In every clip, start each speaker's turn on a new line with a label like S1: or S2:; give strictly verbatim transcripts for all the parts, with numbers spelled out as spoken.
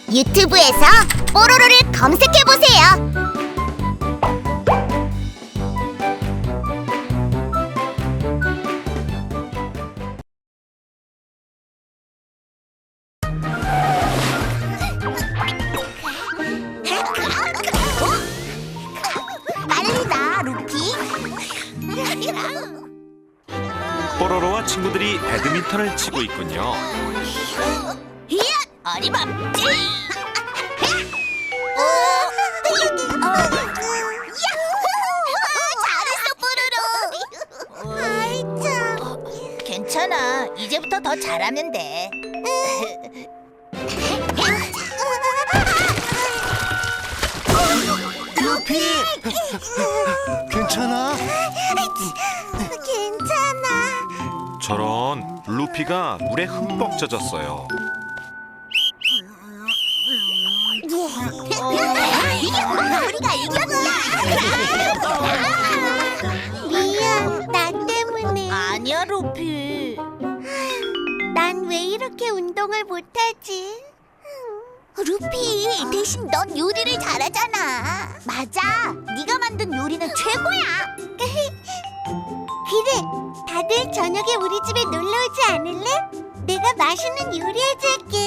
S1: 유튜브에서 뽀로로를 검색해보세요. 빨리 나, 루피.
S2: 뽀로로와 친구들이 배드민턴을 치고 있군요.
S1: 이야, 어림없지. 잘했어, 뽀로로. 아이 참. 괜찮아. 이제부터 더 잘하면 돼.
S3: 루피! 괜찮아?
S1: 괜찮아.
S2: 저런, 루피가 물에 흠뻑 젖었어요.
S1: 우리가 이겼다. 미안, 나 때문에. 아니야, 루피. 난 왜 이렇게 운동을 못하지? 루피, 대신 넌 요리를 잘하잖아. 맞아, 네가 만든 요리는 최고야. 그래, 다들 저녁에 우리 집에 놀러 오지 않을래? 내가 맛있는 요리 해줄게.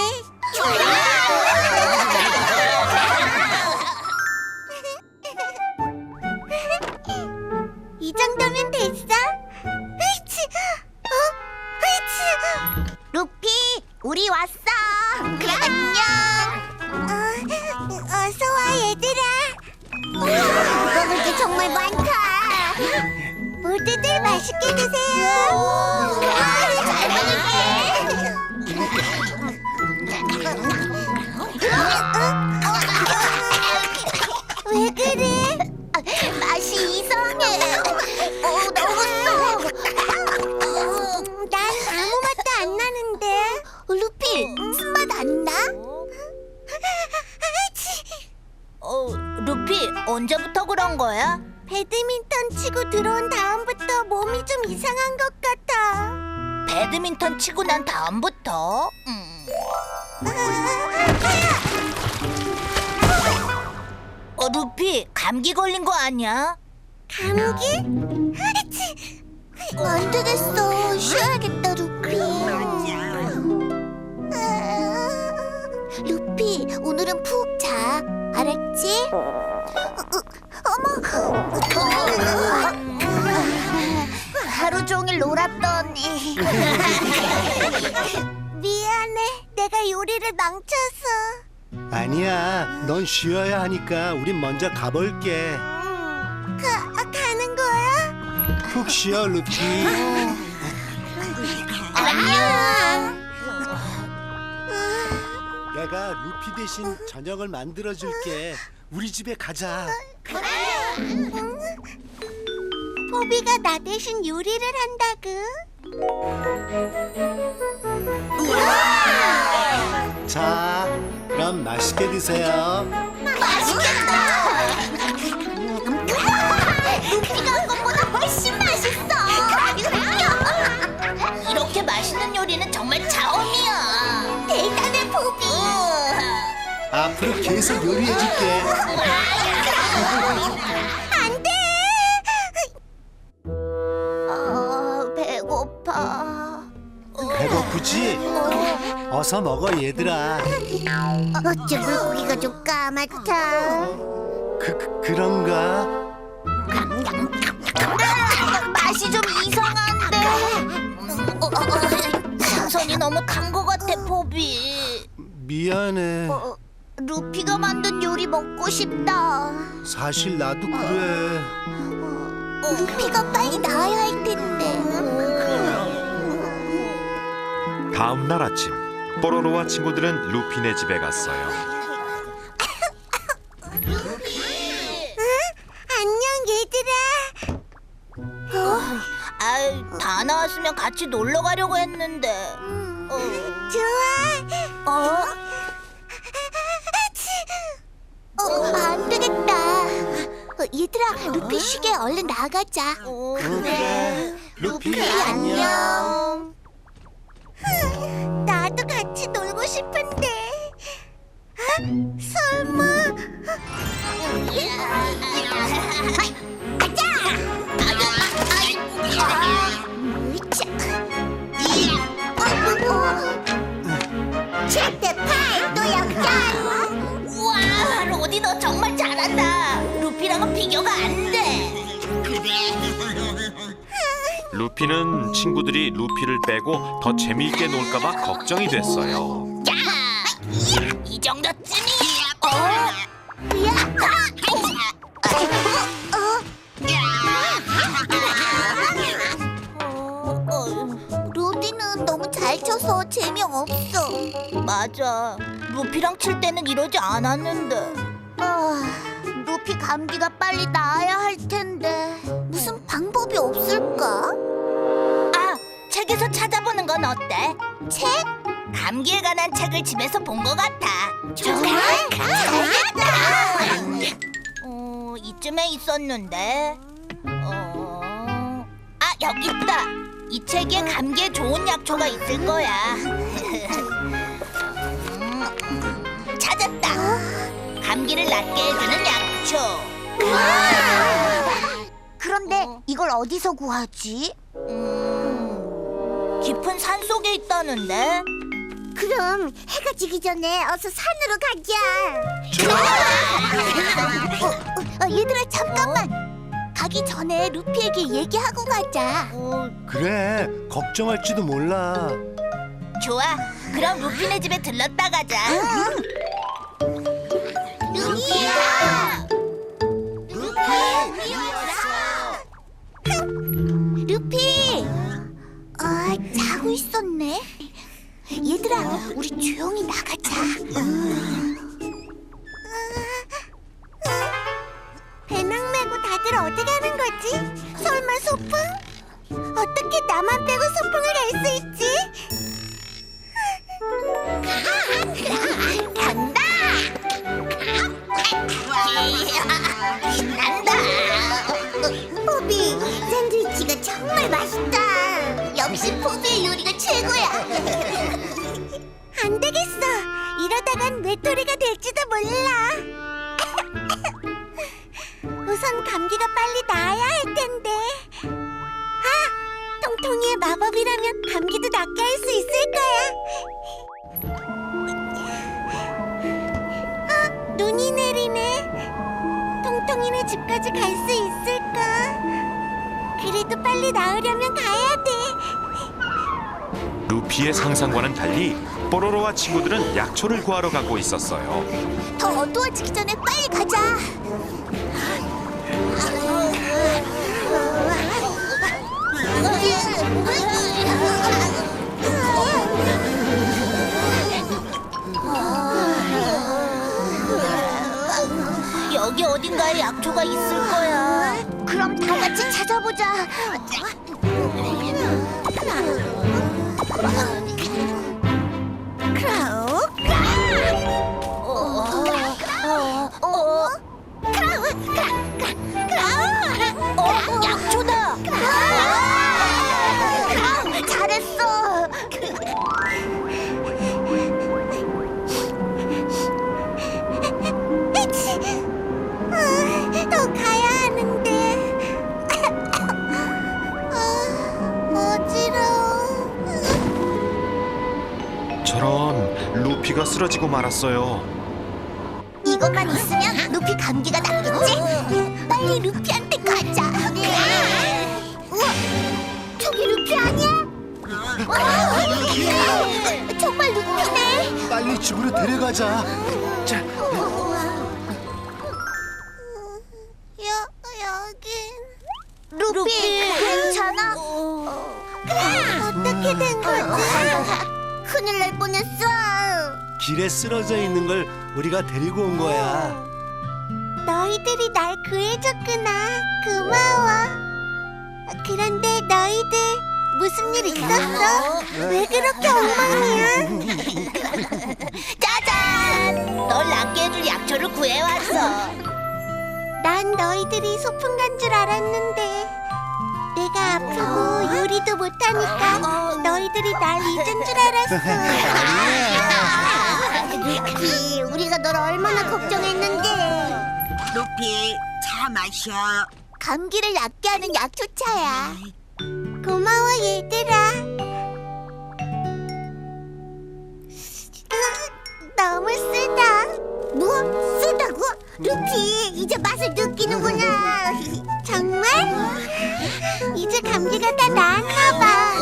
S1: 이 정도면 됐어? 으이치! 어? 으이치! 루피, 우리 왔어. 안녕. 어, 어서 와, 얘들아. 먹을 게 정말 많다. 모두들 맛있게 드세요. 잘 먹을게. 왜 그래? 맛이 이상해. 어, 먹었어. 난 아무 맛도 안 나는데. 루피, 쓴맛 안 나? 어, 루피, 언제부터 그런 거야? 배드민턴 치고 들어온 다음부터 몸이 좀 이상한 것 같아. 배드민턴 치고 난 다음부터? 음. 어, 루피, 감기 걸린 거 아니야? 감기? 안 되겠어. 쉬어야겠다, 루피. 루피, 오늘은 푹 자. 알았지? 어머! 하루 종일 놀았더니. 미안해. 내가 요리를 망쳐서.
S3: 아니야, 넌 쉬어야 하니까 우린 먼저 가볼게.
S1: 가, 가는 거야?
S3: 푹 쉬어, 루피.
S1: 안녕.
S3: 내가 루피 대신 저녁을 만들어줄게. 우리 집에 가자.
S1: 포비가 나 대신 요리를 한다구.
S3: 자, 그럼 맛있게 드세요.
S1: 맛있겠다. 루피가 한 것보다 훨씬 맛있어. 이렇게 맛있는 요리는 정말 처음이야. 대단해, 포비.
S3: 앞으로 계속 요리해줄게.
S1: 안 돼. 아, 배고파.
S3: 배고프지? 어서 먹어, 얘들아.
S1: 어째 물고기가 좀 까맣다.
S3: 그, 그 그런가?
S1: 맛이 좀 이상한데. 어, 어, 어, 생선이 너무 단 것 같아, 포비.
S3: 미안해.
S1: 어, 루피가 만든 요리 먹고 싶다.
S3: 사실 나도 그래.
S1: 루피가 빨리 나와야 할 텐데.
S2: 다음 날 아침, 뽀로로와 친구들은 루피네 집에 갔어요.
S1: 안녕, 얘들아. 어? 아, 다 나왔으면 같이 놀러 가려고 했는데. 어. 좋아. 어? 어, 안 되겠다. 어, 얘들아, 루피 쉬게 얼른 나가자. 어,
S3: 그래. 루피,
S1: 안녕. 나도 같이 놀고 싶은데. 아, 설마? 아자! 칠대 팔, 또 역전! 우와, 로디 너 정말 잘한다. 루피랑은 비교가 안 돼.
S2: 루피는 친구들이 루피를 빼고 더 재미있게 놀까봐 걱정이 됐어요.
S1: 야! 이 정도쯤이야. 어? 야! 어? 어, 루디는 너무 잘 쳐서 재미없어. 맞아. 루피랑 칠 때는 이러지 않았는데. 아, 루피 감기가 빨리 나아야 할 텐데 무슨 방법이 없을까? 아, 책에서 찾아보는 건 어때? 책? 감기에 관한 책을 집에서 본 것 같아. 정말? 잘했다. 어, 이쯤에 있었는데. 어, 아, 여기 있다. 이 책에 감기에 좋은 약초가 있을 거야. 음, 찾았다. 감기를 낫게 해주는 약초. 그런데 이걸 어디서 구하지? 음, 깊은 산 속에 있다는데. 그럼 해가 지기 전에 어서 산으로 가자. 어, 어, 어, 얘들아 잠깐만. 가기 전에 루피에게 얘기하고 가자. 어,
S3: 그래, 걱정할지도 몰라.
S1: 좋아. 그럼 루피네 집에 들렀다 가자. 루피야! 루피 왔어. 루피! 아, 자고 있었네. 얘들아, 우리 조용히 나가자. 배낭 메고 다들 어디 가는 거지? 설마 소풍? 어떻게 나만 빼고 소풍을 갈 수 있지? 간다! 신난다! 포비, 샌드위치가 정말 맛있다. 역시 포비의 요리가 최고야. 안 되겠어. 이러다간 외톨이가 될지도 몰라. 우선 감기가 빨리 나아야 할 텐데. 아, 통통이의 마법이라면 감기도 낫게 할 수 있을 거야. 아, 눈이 내리네. 통통이네 집까지 갈 수 있을까? 그래도 빨리 나으려면 가야 돼.
S2: 루피의 상상과는 달리 뽀로로와 친구들은 약초를 구하러 가고 있었어요.
S1: 더 어두워지기 전에 빨리 가자. 여기 어딘가에 약초가 있을 거야. 그럼 다 같이 찾아보자. 크라우, 어, 크라우, 크라우, 어, 약초다. 크라우, 잘했어. 더 가야 하는데. 아, 어지러워.
S2: 저런, 루피가 쓰러지고 말았어요.
S1: 이것만 있으면 루피 감기가 낫겠지? 빨리 루피한테 가자. 우와, 저기 루피 아니야? 우와, 정말 루피네.
S3: 빨리 집으로 데려가자. 자,
S1: 여, 여긴 루피, 괜찮아? 어떻게 된 거지? 큰일 날 뻔했어.
S3: 길에 쓰러져 있는 걸 우리가 데리고 온 거야.
S1: 너희들이 날 구해줬구나. 고마워. 그런데 너희들 무슨 일 있었어? 왜 그렇게 엉망이야? 짜잔! 널 낫게 해줄 약초를 구해왔어. 난 너희들이 소풍 간 줄 알았는데 내가 아프고 요리도 못하니까 너희들이 날 잊은 줄 알았어. 루피, 우리가 널 얼마나 걱정했는데.
S4: 루피, 차 마셔.
S1: 감기를 낫게 하는 약초차야. 고마워 얘들아. 너무 쓰다. 뭐? 쓰다고? 루피, 이제 맛을 느끼는구나. 정말? 이제 감기가 다 나았나 봐.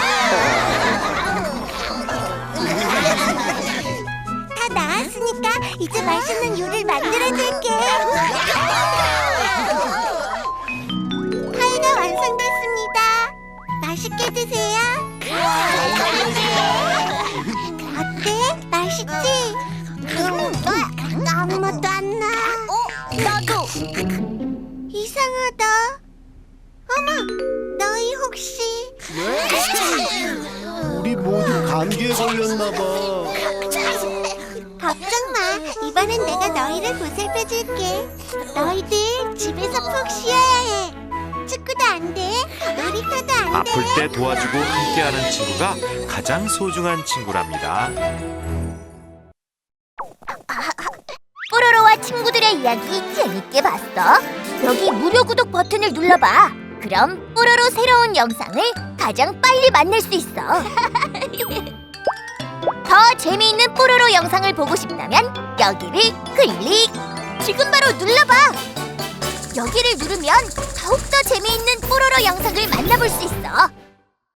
S1: 다 나았으니까 이제 맛있는 요리를 만들어줄게. 파이가 완성됐습니다. 맛있게 드세요. 어때? 맛있지? 음, 아무 맛도 안 나. 어? 나도. 이상하다. 어머, 너희 혹시?
S3: 우리 모두 감기에 걸렸나 봐.
S1: 걱정 마. 이번엔 내가 너희를 보살펴줄게. 너희들 집에서 푹 쉬어야 해. 축구도 안 돼. 놀이터도 안 돼.
S2: 아플 때 도와주고 함께하는 친구가 가장 소중한 친구랍니다.
S1: 뽀로로와 친구들의 이야기 재밌게 봤어? 여기 무료 구독 버튼을 눌러봐. 그럼 뽀로로 새로운 영상을 가장 빨리 만날 수 있어. 더 재미있는 뽀로로 영상을 보고 싶다면 여기를 클릭! 지금 바로 눌러봐! 여기를 누르면 더욱더 재미있는 뽀로로 영상을 만나볼 수 있어.